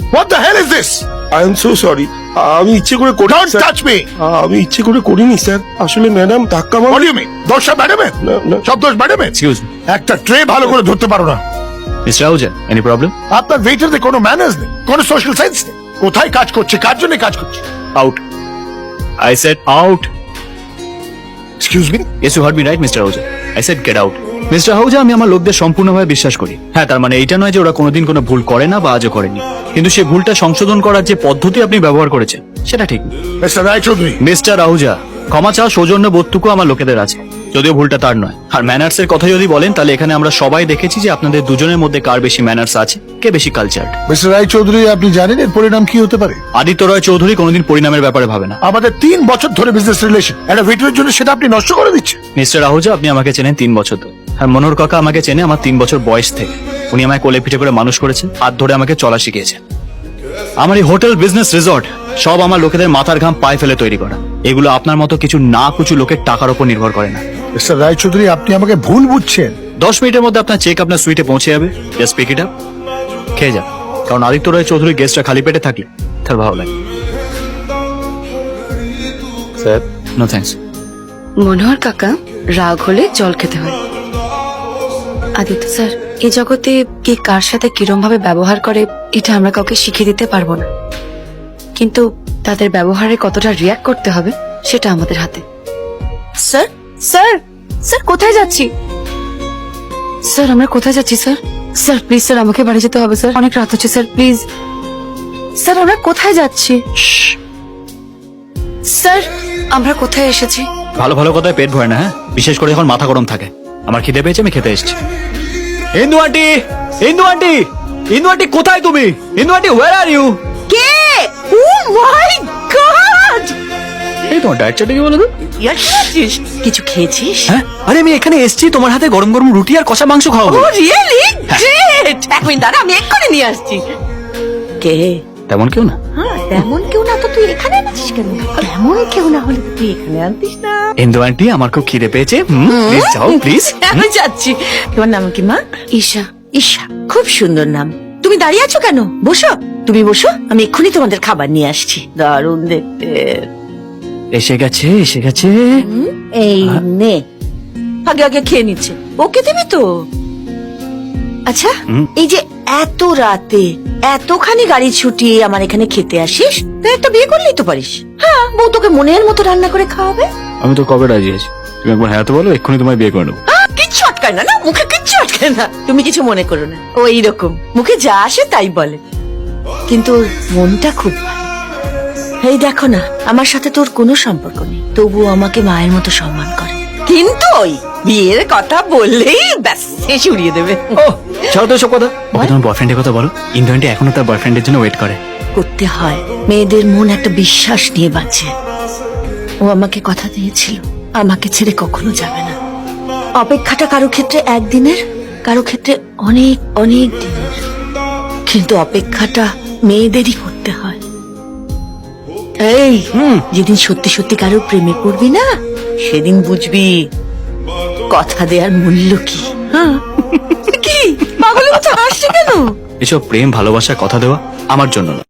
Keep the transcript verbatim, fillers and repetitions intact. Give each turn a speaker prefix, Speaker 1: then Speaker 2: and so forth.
Speaker 1: What the hell is this?
Speaker 2: I am so sorry, আমি ইচ্ছে করে করি
Speaker 1: Don't touch me!
Speaker 2: আমি ইচ্ছে করে করিনি স্যার, আসলে ম্যাডাম ধাক্কা মার
Speaker 1: What do you mean? দোষটা ম্যাডামের?
Speaker 2: না, না।
Speaker 1: সব দোষ ম্যাডামের?
Speaker 3: এক্সকিউজ মি
Speaker 1: একটা ট্রে ভালো করে ধরতে পারো না।
Speaker 3: Mister Ahuja, any problem?
Speaker 1: আপনার ওয়েটারদের কোনো ম্যানার্স নেই, কোনো সোশ্যাল সেন্স নেই। কোথায় কাজ করছে, কার জন্য কাজ করছে?
Speaker 3: Out, I said out.
Speaker 1: Excuse me?
Speaker 3: Yes, you heard me right, mister Ahuja. I said get out. Mister Ahuja, আমি আমার লোকদের সম্পূর্ণভাবে বিশ্বাস করি। হ্যাঁ, তার মানে এইটা নয় যে ওরা কোনোদিন কোনো ভুল করে না বা আজও করেনি, কিন্তু সেই ভুলটা সংশোধন করার যে পদ্ধতি আপনি ব্যবহার করেছেন সেটা ঠিক না।
Speaker 1: মিস্টার রায়চৌধুরী,
Speaker 3: মিস্টার আহুজা, ক্ষমা চাওয়া সৌজন্য বোধটুকু আমার লোকেদের আছে, যদিও ভুলটা তার নয়। আর ম্যানার্স এর কথা যদি বলেন, তাহলে এখানে আমরা সবাই দেখেছি যে আপনাদের দুজনের মধ্যে কার বেশি ম্যানার্স আছে, কে বেশি কালচার্ড।
Speaker 1: মিস্টার রায়চৌধুরী, আপনি জানেন এর পরিণাম কি হতে পারে?
Speaker 3: আদিত্য রয় চৌধুরী কোনোদিন পরিণামের ব্যাপারে ভাবে না।
Speaker 1: আমাদের তিন বছর ধরে বিজনেস রিলেশন, একটা ওয়েটারের জন্য সেটা আপনি নষ্ট করে দিচ্ছেন।
Speaker 3: মিস্টার আহুজা, আপনি আমাকে চেনেন তিন বছর ধরে, আর মনোহর কাকা আমাকে চেনে আমার তিন বছর বয়স থেকে। উনি আমায় কোলে পিঠে করে মানুষ করেছেন, হাত ধরে আমাকে চলা শিখিয়েছেন। আমার এই হোটেল, বিজনেস, রিসর্ট সব আমার লোকেদের মাথার ঘাম পায়ে ফেলে তৈরি করা। এগুলো আপনার মতো কিছু না কিছু লোকের টাকার উপর নির্ভর করে না।
Speaker 1: মিস্টার রায়চৌধুরী, আপনি আমাকে ভুল বুঝছেন।
Speaker 3: দশ মিনিটের মধ্যে আপনার চেক আপনার সুইটে পৌঁছে যাবে। জাস্ট পিক ইট আপ, খেয়ে যান। কারণ আদিত্য রয় চৌধুরী গেস্টটা খালি পেটে থাকলে তার ভালো লাগে। Sir, no thanks.
Speaker 4: মনোহর কাকা, রাগ হলে জল খেতে হয়। আদিত্য স্যার, এই জগতে কে কার সাথে কিরম ভাবে ব্যবহার করে এটা আমরা কাউকে শিখিয়ে দিতে পারবো না, কিন্তু তাদের ব্যবহারে কতটা রিয়াক্ট করতে হবে সেটা আমাদের হাতে। স্যার, স্যার, স্যার কোথায় যাচ্ছি? স্যার আমরা কোথায় যাচ্ছি স্যার? স্যার প্লিজ স্যার, আমাকে বাড়ি যেতে হবে স্যার, অনেক রাত হচ্ছে স্যার, প্লিজ স্যার। আমরা কোথায় যাচ্ছি? স্যার আমরা কোথায় এসেছি?
Speaker 3: ভালো ভালো কথায় পেট ভরে না, হ্যাঁ, বিশেষ করে যখন মাথা গরম থাকে। আমার খিদে পেয়েছে, আমি খেতে এসেছি। Indu aunty, Indu aunty, Indu aunty কোথায় তুমি? Indu aunty, where are you?
Speaker 4: কে? Oh my god!
Speaker 3: এই তোমার ডায়েট চার্টে কি বলো তো?
Speaker 4: কিছু খেয়েছিস?
Speaker 3: হ্যাঁ, আরে আমি এখানে এসেছি তোমার হাতে গরম গরম রুটি আর কষা মাংস খাওয়াবো।
Speaker 4: Oh really great! এক মিনিট দাঁড়া, আমি এক্ষুনি নিয়ে আসছি। কে?
Speaker 3: তেমন কেউ না।
Speaker 4: হ্যাঁ, তেমন কেউ না তো তুই এখানে আছিস কেন? তেমন কেউ না হলে তুই এখানে আনতিস না।
Speaker 3: ইন্দু আন্টি, আমার খুব খিদে পেয়েছে, প্লিজ যাও প্লিজ।
Speaker 4: আমি যাচ্ছি। তোমার নাম কি মা? ঈশা। ঈশা, খুব সুন্দর নাম। তুমি দাঁড়িয়ে আছো কেন? বসো, তুমি বসো, আমি এক্ষুনি তোমাদের খাবার নিয়ে আসছি। দারুণ দেখতে।
Speaker 3: এসে গেছে, এসে গেছে।
Speaker 4: এই নে, আগে আগে খেয়ে নিচ্ছে। ওকে দিবি তো? আচ্ছা, এই যে এত রাতে এতখানি গাড়ি ছুটিয়ে আমার এখানে খেতে আসিস, তাই একটা বিয়ে করলেই তো পারিস। হ্যাঁ, বউ তোকে মনের মতো রান্না করে খাওয়াবে।
Speaker 3: আমি তো কবে রাজি আছি, তুমি একবার হ্যাঁ তো বলো, এক্ষুনি তোমায় বিয়ে করে নেবো।
Speaker 4: আহ, কিচ্ছু আটকায় না, না মুখে কিচ্ছু আটকায় না। তুমি কিছু মনে করো না, ও এইরকম মুখে যা আসে তাই বলে, কিন্তু ওর মনটা খুব ভালো। এই দেখো না, আমার সাথে তোর কোনো সম্পর্ক নেই, তবুও আমাকে মায়ের মতো সম্মান করে। কিন্তু ওই বিয়ের কথা বললেই ব্যাস শেষ উড়িয়ে দেবে।
Speaker 3: ও ছাড়ো তো সব কথা, ওকে তোমার বয়ফ্রেন্ডের কথা বলো। ইন্দু আন্টি এখনো তার বয়ফ্রেন্ডের জন্য ওয়েট করে।
Speaker 4: করতে হয়, মেয়েদের মন একটা বিশ্বাস নিয়ে বাঁচে। ও আমাকে কথা দিয়েছিল, আমাকে ছেড়ে কখনো যাবে না। অপেক্ষাটা কারো ক্ষেত্রে একদিনের, কারো ক্ষেত্রে অনেক অনেক দিনের, কিন্তু অপেক্ষাটা মেয়েদেরই করতে হয়। এই যেদিন সত্যি সত্যি কারো প্রেমে পড়বি না, সেদিন বুঝবি কথা দেওয়ার মূল্য কি। হ্যাঁ কি পাগলের মতো হাসছে কেন?
Speaker 3: এসব প্রেম ভালোবাসার কথা দেওয়া আমার জন্য না।